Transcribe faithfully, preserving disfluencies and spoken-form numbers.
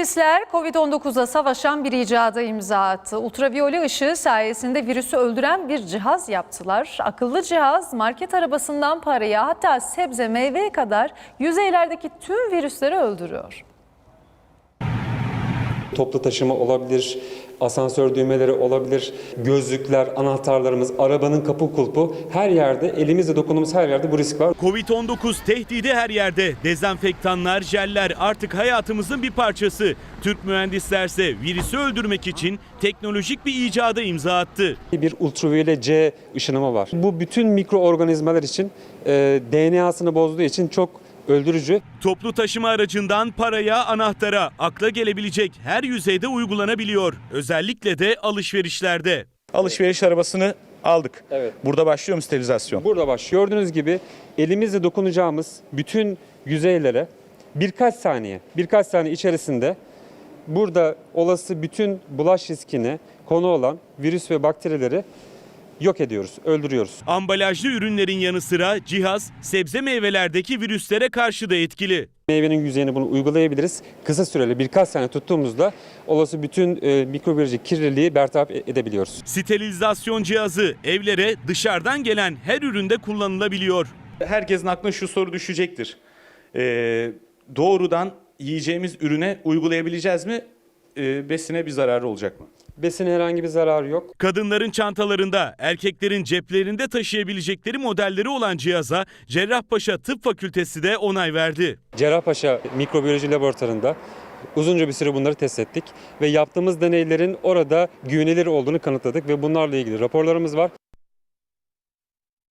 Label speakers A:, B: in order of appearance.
A: Mühendisler kovid on dokuza savaşan bir icada imza attı. Ultraviyole ışığı sayesinde virüsü öldüren bir cihaz yaptılar. Akıllı cihaz market arabasından paraya, hatta sebze meyveye kadar yüzeylerdeki tüm virüsleri öldürüyor.
B: Toplu taşıma olabilir, asansör düğmeleri olabilir, gözlükler, anahtarlarımız, arabanın kapı kulpu, her yerde, elimizle dokunduğumuz her yerde bu risk var.
C: kovid on dokuz tehdidi her yerde. Dezenfektanlar, jeller artık hayatımızın bir parçası. Türk mühendislerse virüsü öldürmek için teknolojik bir icada imza attı.
B: Bir ultraviyole C ışınımı var. Bu bütün mikroorganizmalar için e, D N A'sını bozduğu için çok öldürücü.
C: Toplu taşıma aracından paraya, anahtara, akla gelebilecek her yüzeyde uygulanabiliyor. Özellikle de alışverişlerde.
D: Alışveriş arabasını aldık.
B: Evet.
D: Burada başlıyor mu sterilizasyon?
B: Burada başlıyor. Gördüğünüz gibi elimizle dokunacağımız bütün yüzeylere birkaç saniye, birkaç saniye içerisinde burada olası bütün bulaş riskine konu olan virüs ve bakterileri yok ediyoruz, öldürüyoruz.
C: Ambalajlı ürünlerin yanı sıra cihaz sebze meyvelerdeki virüslere karşı da etkili.
B: Meyvenin yüzeyine bunu uygulayabiliriz. Kısa süreli birkaç saniye tuttuğumuzda olası bütün e, mikrobiyolojik kirliliği bertaraf edebiliyoruz.
C: Sterilizasyon cihazı evlere dışarıdan gelen her üründe kullanılabiliyor.
D: Herkesin aklına şu soru düşecektir. Ee, doğrudan yiyeceğimiz ürüne uygulayabileceğiz mi? Ee, besine bir zararı olacak mı?
B: Besine herhangi bir zararı yok.
C: Kadınların çantalarında, erkeklerin ceplerinde taşıyabilecekleri modelleri olan cihaza Cerrahpaşa Tıp Fakültesi de onay verdi.
B: Cerrahpaşa Mikrobiyoloji Laboratuvarı'nda uzunca bir süre bunları test ettik ve yaptığımız deneylerin orada güvenilir olduğunu kanıtladık ve bunlarla ilgili raporlarımız var.